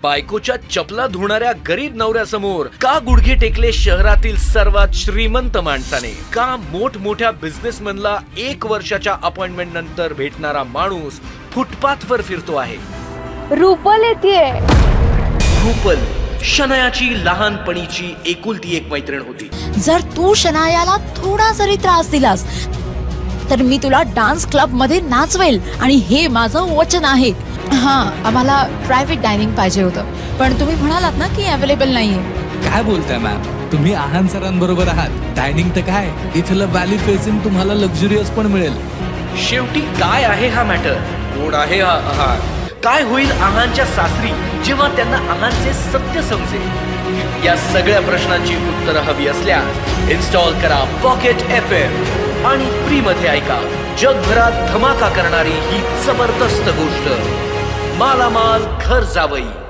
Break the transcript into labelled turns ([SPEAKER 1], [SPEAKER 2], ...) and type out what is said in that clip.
[SPEAKER 1] बायकोच्या चपला धुणाऱ्या गरीब नवऱ्यासमोर का गुडघे टेकले शहरातील सर्वात श्रीमंत माणसाने? का मोठमोठ्या बिझनेसमॅनला 1 वर्षाच्या अपॉइंटमेंट नंतर भेटणारा माणूस फुटपाथवर फिरतो आहे?
[SPEAKER 2] रुपल येतेय.
[SPEAKER 1] रुपल शनायाची लहानपणीची एकुलती एक मैत्रीण होती.
[SPEAKER 3] जर तू शनायाला थोडा जरी त्रास दिलास तर मी तुला डान्स क्लब मध्ये नाचवेल आणि हे माझं वचन आहे. आम्हाला प्रायव्हेट डायनिंग पाहिजे होतं, पण तुम्ही म्हणालात ना की अवेलेबल नाहीये.
[SPEAKER 4] काय बोलताय मॅम, तुम्ही आहान सरांबरोबर आहात. डायनिंग तर काय, इथलं व्हॅली फेसिंग तुम्हाला लक्झुरियस पण मिळेल.
[SPEAKER 1] शेवटी काय आहे हा मॅटर? कोण आहे हा आहान? काय होईल आहानच्या सासरी जेव्हा त्यांना आहानचे सत्य समजेल? या सगळ्या प्रश्नांची उत्तरं हवी असल्यास इन्स्टॉल करा पॉकेट FM आणि फ्री मध्ये ऐका जगभरात धमाका करणारी ही जबरदस्त गोष्ट, मालामाल घर जावई.